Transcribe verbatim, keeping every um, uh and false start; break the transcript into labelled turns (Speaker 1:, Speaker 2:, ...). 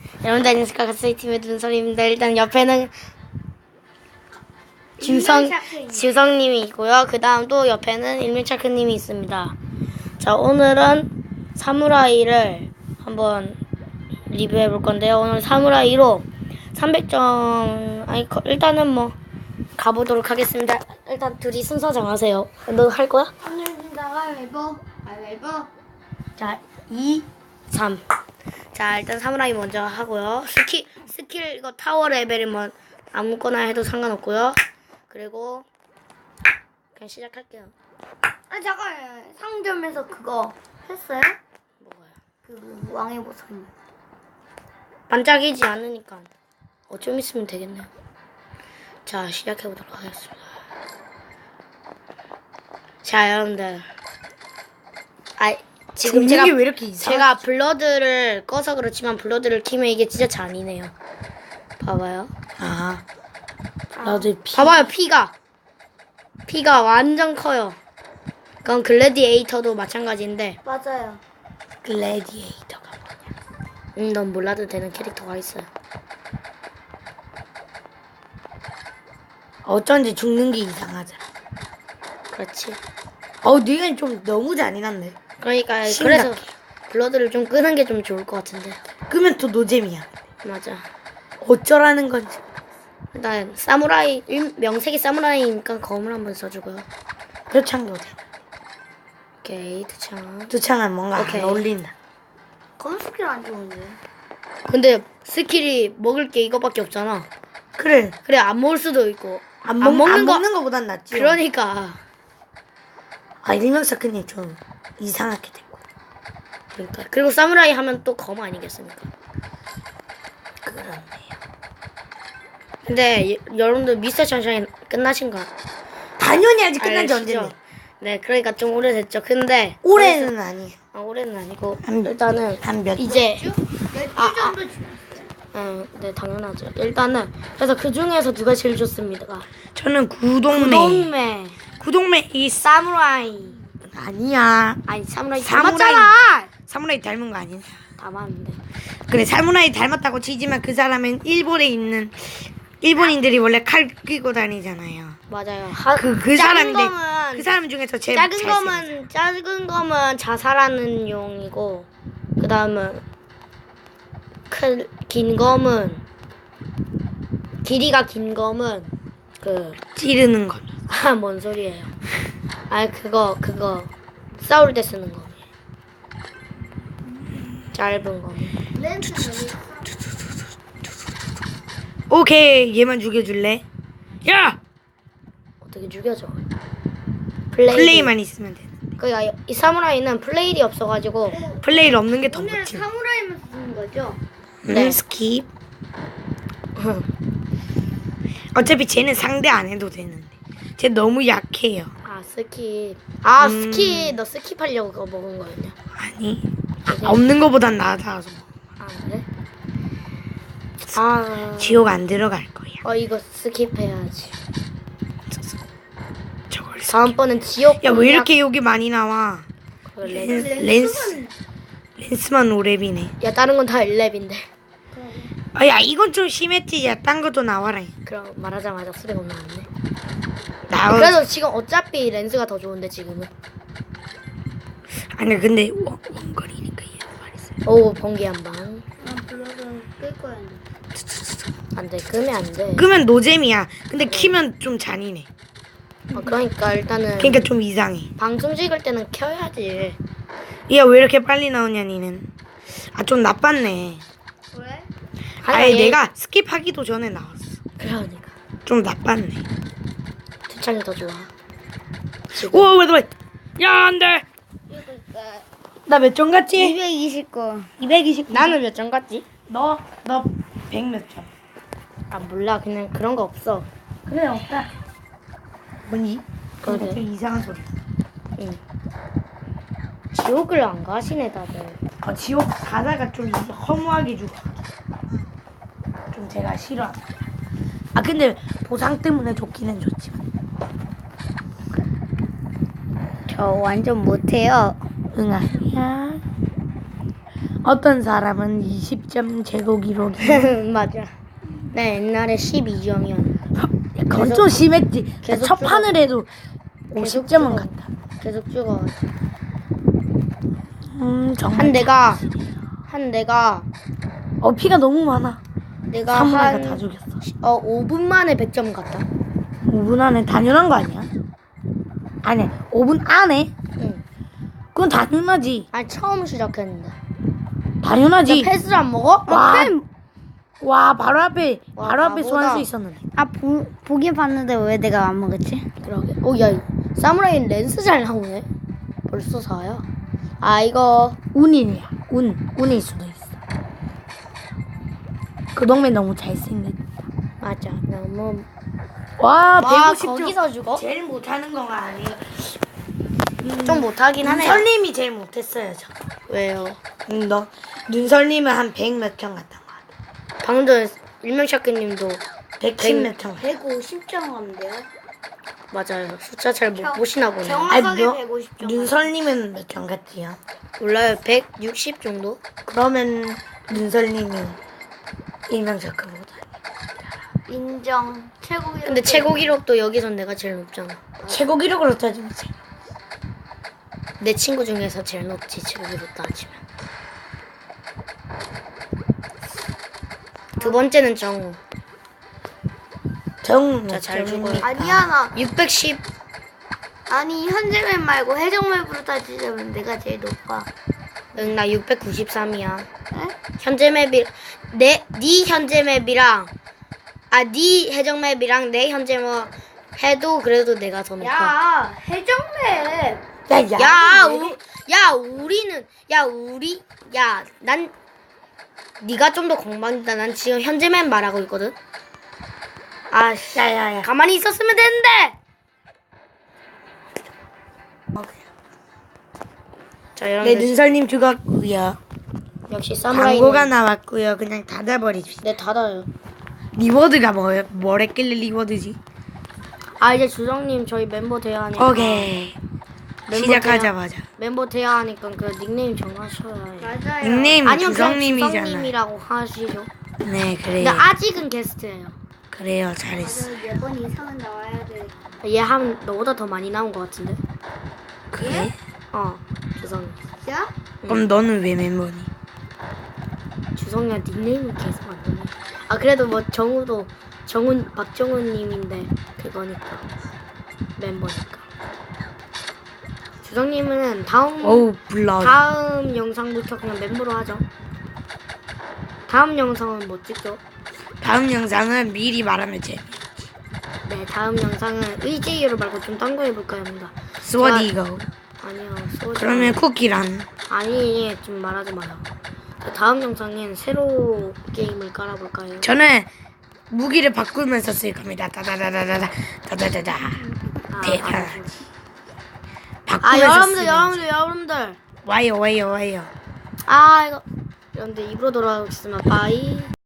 Speaker 1: 여러분들 안녕하십니까. 가스이팀의 눈설입니다. 일단 옆에는 주성, 주성님이 있고요. 그 다음 또 옆에는 일명차크님이 있습니다. 자, 오늘은 사무라이를 한번 리뷰해 볼 건데요. 오늘 사무라이로 삼백 점, 아니, 일단은 뭐, 가보도록 하겠습니다. 일단 둘이 순서 정하세요. 너 할 거야?
Speaker 2: 오늘입니다. 가위바위보. 가위바위보.
Speaker 1: 자, 이, 삼. 자, 일단 사무라이 먼저 하고요. 스킬, 스킬, 이거 타워 레벨은 뭐, 아무거나 해도 상관없고요. 그리고, 그냥 시작할게요.
Speaker 2: 아 잠깐 상점에서 그거 했어요?
Speaker 1: 뭐가요?
Speaker 2: 그 왕의 보상.
Speaker 1: 반짝이지 않으니까. 어, 좀 있으면 되겠네요. 자, 시작해보도록 하겠습니다. 자, 여러분들. 아, 지금 제가,
Speaker 3: 왜 이렇게 이상하지?
Speaker 1: 제가 블러드를 꺼서 그렇지만 블러드를 키면 이게 진짜 잔이네요. 봐봐요.
Speaker 3: 아, 나도 피.
Speaker 1: 봐봐요, 피가. 피가 완전 커요. 그건 글래디에이터도 마찬가지인데.
Speaker 2: 맞아요.
Speaker 3: 글래디에이터가 뭐냐?
Speaker 1: 음, 넌 몰라도 되는 캐릭터가 있어요.
Speaker 3: 어쩐지 죽는 게 이상하잖아.
Speaker 1: 그렇지.
Speaker 3: 어우, 네가 좀 너무 잔인한데.
Speaker 1: 그러니까
Speaker 3: 심각해.
Speaker 1: 그래서 블러드를 좀 끄는 게 좀 좋을 것 같은데.
Speaker 3: 끄면 또 노잼이야.
Speaker 1: 맞아.
Speaker 3: 어쩌라는 건지.
Speaker 1: 일단 사무라이 일- 명색이 사무라이니까 검을 한번 써주고요.
Speaker 3: 표창도 돼.
Speaker 1: 오케이, 두창.
Speaker 3: 두창은 뭔가
Speaker 1: 오케이.
Speaker 3: 안 어울린다.
Speaker 2: 검은 스킬 안 좋은데.
Speaker 1: 근데 스킬이 먹을 게 이거밖에 없잖아.
Speaker 3: 그래.
Speaker 1: 그래, 안 먹을 수도 있고.
Speaker 3: 안,
Speaker 1: 안
Speaker 3: 먹,
Speaker 1: 먹는
Speaker 3: 안
Speaker 1: 거-
Speaker 3: 먹는 거보단 낫지.
Speaker 1: 그러니까.
Speaker 3: 아, 일명사크님 좀 이상하게 됐고.
Speaker 1: 그러니까. 그리고 사무라이 하면 또 검 아니겠습니까?
Speaker 3: 그렇네요.
Speaker 1: 근데 여- 여러분들 미스터 션샤인 끝나신가?
Speaker 3: 당연히 아직 끝난 지
Speaker 1: 알시죠?
Speaker 3: 언젠데.
Speaker 1: 네, 그러니까 좀 오래됐죠. 근데
Speaker 3: 올해는 아니에요.
Speaker 1: 아, 올해는 아니고
Speaker 3: 한 몇-
Speaker 1: 일단은
Speaker 3: 한 몇-
Speaker 1: 이제
Speaker 2: 몇
Speaker 1: 아,
Speaker 2: 주 정도 지났어요.
Speaker 1: 어, 네, 당연하죠. 일단은 그래서 그 중에서 누가 제일 좋습니까?
Speaker 3: 저는 구동매.
Speaker 1: 구동매,
Speaker 3: 구동매 이
Speaker 1: 사무라이.
Speaker 3: 아니야.
Speaker 1: 아니 사무라이
Speaker 3: 사무라이.
Speaker 1: 닮았잖아.
Speaker 3: 사무라이 닮은 거 아니야?
Speaker 1: 닮았는데.
Speaker 3: 그래, 사무라이 닮았다고 치지만 그 사람은 일본에 있는 일본인들이 원래 칼 끼고 다니잖아요.
Speaker 1: 맞아요. 하,
Speaker 3: 그, 그
Speaker 1: 작은
Speaker 3: 사람인데
Speaker 1: 검은
Speaker 3: 그 사람 중에서 제일
Speaker 1: 작은
Speaker 3: 잘생겼어.
Speaker 1: 검은 작은 검은 자살하는 용이고 그 다음은 큰 긴 검은 길이가 긴 검은 그
Speaker 3: 찌르는 거.
Speaker 1: 아, 뭔 소리예요? 아, 그거 그거 싸울 때 쓰는 거. 짧은 거.
Speaker 2: 렌즈 저기
Speaker 3: 오케이, 얘만 죽여줄래? 야!
Speaker 1: 어떻게 죽여줘? 플레이.
Speaker 3: 플레이만 있으면 돼.
Speaker 1: 그러니까 이 사무라이는 플레이이 없어가지고
Speaker 3: 플레이를 없는 게 더
Speaker 2: 오늘
Speaker 3: 멋지.
Speaker 2: 사무라이만 쓰는 거죠?
Speaker 1: 네.
Speaker 3: 음, 스킵. 어차피 쟤는 상대 안 해도 되는데. 쟤 너무 약해요.
Speaker 1: 아, 스킵. 아,
Speaker 3: 음.
Speaker 1: 스킵. 너 스킵하려고 그거 먹은 거였냐?
Speaker 3: 아니, 없는 거보단 나아서
Speaker 1: 아, 그래? 아,
Speaker 3: 지옥 안 들어갈 거야.
Speaker 1: 어, 이거 스킵해야지.
Speaker 3: 저걸. 스-
Speaker 1: 다음번엔 지옥.
Speaker 3: 야, 왜
Speaker 1: 공략-
Speaker 3: 이렇게 여기 많이 나와?
Speaker 1: 그래.
Speaker 3: 렌, 렌스, 렌스만 오랩이네.
Speaker 1: 야, 다른 건 다 일렙인데.
Speaker 3: 아, 야, 이건 좀 심했지. 야, 딴 것도 나와라.
Speaker 1: 그럼 말하자마자 수리가 나왔네.
Speaker 3: 나와.
Speaker 1: 그래도 지금 어차피 렌즈가 더 좋은데 지금은.
Speaker 3: 아니, 근데 원, 원거리니까 얘는 말했어.
Speaker 1: 오, 번개 한 방.
Speaker 2: 난 블러드 끌 거야.
Speaker 1: 안 돼. 끄면 안 돼.
Speaker 3: 끄면 노잼이야. 근데 키면 좀 잔인해.
Speaker 1: 어, 그러니까 일단은
Speaker 3: 그러니까 좀 이상해.
Speaker 1: 방송 찍을 때는 켜야지.
Speaker 3: 야, 왜 이렇게 빨리 나오냐, 니는. 아, 좀 나빴네.
Speaker 2: 왜?
Speaker 3: 아예
Speaker 1: 얘-
Speaker 3: 내가 스킵하기도 전에 나왔어.
Speaker 1: 그러니까
Speaker 3: 좀 나빴네.
Speaker 1: 두창이 더 좋아. 지금.
Speaker 3: 오, 왜, 왜. 야, 안 돼.
Speaker 2: 그러니까
Speaker 3: 나 몇 점 갔지?
Speaker 2: 이백이십 거.
Speaker 3: 이백이십.
Speaker 1: 나는 몇 점 갔지?
Speaker 3: 너, 너 백 몇 점.
Speaker 1: 아, 몰라. 그냥 그런 거 없어.
Speaker 3: 그래, 없다. 뭐니?
Speaker 1: 그러게.
Speaker 3: 그거 되게 이상한 소리.
Speaker 1: 응. 지옥을 안 가시네 다들.
Speaker 3: 어, 지옥 가다가 좀 허무하게 죽어. 좀 제가 싫어합니다. 아, 근데 보상 때문에 좋기는 좋지만.
Speaker 2: 저 완전 못해요.
Speaker 3: 응, 아니야. 어떤 사람은 이십 점 제고 기록이.
Speaker 1: 맞아. 나 옛날에 십이 점이었는데
Speaker 3: 그건
Speaker 1: 계속-
Speaker 3: 좀 심했지. 나
Speaker 1: 계속
Speaker 3: 첫 판을 해도
Speaker 1: 계속
Speaker 3: 오십 점은
Speaker 1: 찍어.
Speaker 3: 갔다.
Speaker 1: 계속 찍어.
Speaker 3: 음 정말.
Speaker 1: 한 내가 한 내가
Speaker 3: 어 피가 너무 많아.
Speaker 1: 내가
Speaker 3: 사무라이가 다
Speaker 1: 한
Speaker 3: 죽였어.
Speaker 1: 어, 오 분 만에 백 점 갔다.
Speaker 3: 오 분 안에 당연한 거 아니야? 아니 오 분 안에?
Speaker 1: 응.
Speaker 3: 그건 당연하지.
Speaker 1: 아니 처음 시작했는데.
Speaker 3: 당연하지.
Speaker 1: 나 패스를 안 먹어?
Speaker 3: 와,
Speaker 1: 나 패-
Speaker 3: 와 바로 앞에
Speaker 1: 와,
Speaker 3: 바로 앞에
Speaker 1: 바보다.
Speaker 3: 소환수 있었는데.
Speaker 2: 아 보, 보긴 봤는데 왜 내가 안 먹었지?
Speaker 1: 그러게. 어, 야, 사무라이 렌스 잘 나오네. 벌써 사야. 아, 이거
Speaker 3: 운이야. 운 운일 수도 있어. 그 동네 너무 잘생겼.
Speaker 1: 맞아. 너무
Speaker 3: 와
Speaker 1: 와,
Speaker 3: 백오십 점.
Speaker 1: 거기서 죽어?
Speaker 3: 제일 못하는 건 아니에요.
Speaker 1: 좀 못하긴 하네.
Speaker 3: 눈설님이 제일 못했어요 저.
Speaker 1: 왜요?
Speaker 3: 응, 너 눈설님은 한 백 몇 점 갔던 거 같아.
Speaker 1: 방금 일명샤크님도
Speaker 3: 백십 몇 점.
Speaker 2: 백오십 점 갔는데요?
Speaker 1: 맞아요. 숫자 잘 못 보시나 보네.
Speaker 2: 정-
Speaker 3: 아니
Speaker 2: 정확하게
Speaker 3: 너
Speaker 2: 백오십 점
Speaker 3: 눈설님은 몇 점 갔지요?
Speaker 1: 몰라요. 백육십 정도?
Speaker 3: 그러면 눈설님이 일명작가보다
Speaker 2: 인정. 최고 기록.
Speaker 1: 근데 최고 기록도 여기선 내가 제일 높잖아.
Speaker 3: 최고 기록으로 따지면 제-
Speaker 1: 내 친구 중에서 제일 높지, 최고 기록 따지면. 두 번째는 정우.
Speaker 3: 정
Speaker 1: 자, 잘
Speaker 3: 정입니까?
Speaker 1: 죽어요.
Speaker 2: 아니야 나
Speaker 1: 육백십.
Speaker 2: 아니 현재맵 말고 해적맵으로 따지자면 내가 제일 높아.
Speaker 1: 응, 나 육백구십삼이야.
Speaker 2: 에?
Speaker 1: 현재 맵이 내 네 현재 맵이랑 아 네 해적 맵이랑 내 현재 맵 해도 그래도 내가 더 높아.
Speaker 2: 야 해적맵.
Speaker 3: 야, 야,
Speaker 1: 야,
Speaker 3: 왜
Speaker 1: 우,
Speaker 3: 이래?
Speaker 1: 야 우리는 야 우리 야 난 네가 좀 더 공방이다. 난 지금 현재 맵 말하고 있거든. 아, 씨,
Speaker 3: 야, 야, 야.
Speaker 1: 가만히 있었으면 되는데. 자,
Speaker 3: 네,
Speaker 1: 여러분들
Speaker 3: 눈설님 죽었고요.
Speaker 1: 역시 사무라이.
Speaker 3: 광고가 나왔고요. 그냥 닫아버립시다.
Speaker 1: 네, 닫아요.
Speaker 3: 리워드가 뭐, 뭐랬길래 리워드지?
Speaker 1: 아, 이제 주정님 저희 멤버 돼야 하니까.
Speaker 3: 오케이.
Speaker 1: 멤버
Speaker 3: 시작하자마자.
Speaker 1: 멤버 돼야 하니까 그 닉네임 정하셔야 해요.
Speaker 2: 맞아요.
Speaker 3: 닉네임
Speaker 1: 아니면 그냥
Speaker 3: 주성님이잖아.
Speaker 1: 주성님이라고 하시죠.
Speaker 3: 네, 그래요.
Speaker 1: 근데 아직은 게스트예요.
Speaker 3: 그래요, 잘했어.
Speaker 2: 맞아 네번 이상은 나와야 돼.
Speaker 1: 얘 한 너보다 더 많이 나온 것 같은데.
Speaker 3: 그래?
Speaker 1: 어, 주성.
Speaker 2: 진짜?
Speaker 3: 그럼 너는 왜 멤버니?
Speaker 1: 주성이가 닉네임을 계속 안 되네. 아 그래도 뭐 정우도 정훈 박정훈님인데 그거니까 멤버니까. 주성님은 다음
Speaker 3: 어우, 블러.
Speaker 1: 다음 영상부터 그냥 멤버로 하죠. 다음 영상은 뭐 찍죠?
Speaker 3: 다음 영상은 미리 말하면 돼.
Speaker 1: 네, 다음 영상은 의지유로 말고 좀 딴 거 해볼까 합니다.
Speaker 3: 스워디 이거.
Speaker 1: 아니요, 소주.
Speaker 3: 그러면 쿠키란.
Speaker 1: 아니, 좀 말하지 마요. 자, 다음 영상엔 새로 게임을 깔아볼까요?
Speaker 3: 저는 무기를 바꾸면서 쓸 겁니다. 다다다다다다 다다다다.
Speaker 1: 아,
Speaker 3: 대단.
Speaker 1: 아,
Speaker 3: 바꾸면서
Speaker 1: 아, 여러분들,
Speaker 3: 쓰는
Speaker 1: 여러분들, 여러분들.
Speaker 3: 와요 와요 와요.
Speaker 1: 아, 이거. 여러분들 입으로 돌아오겠습니다. 바이.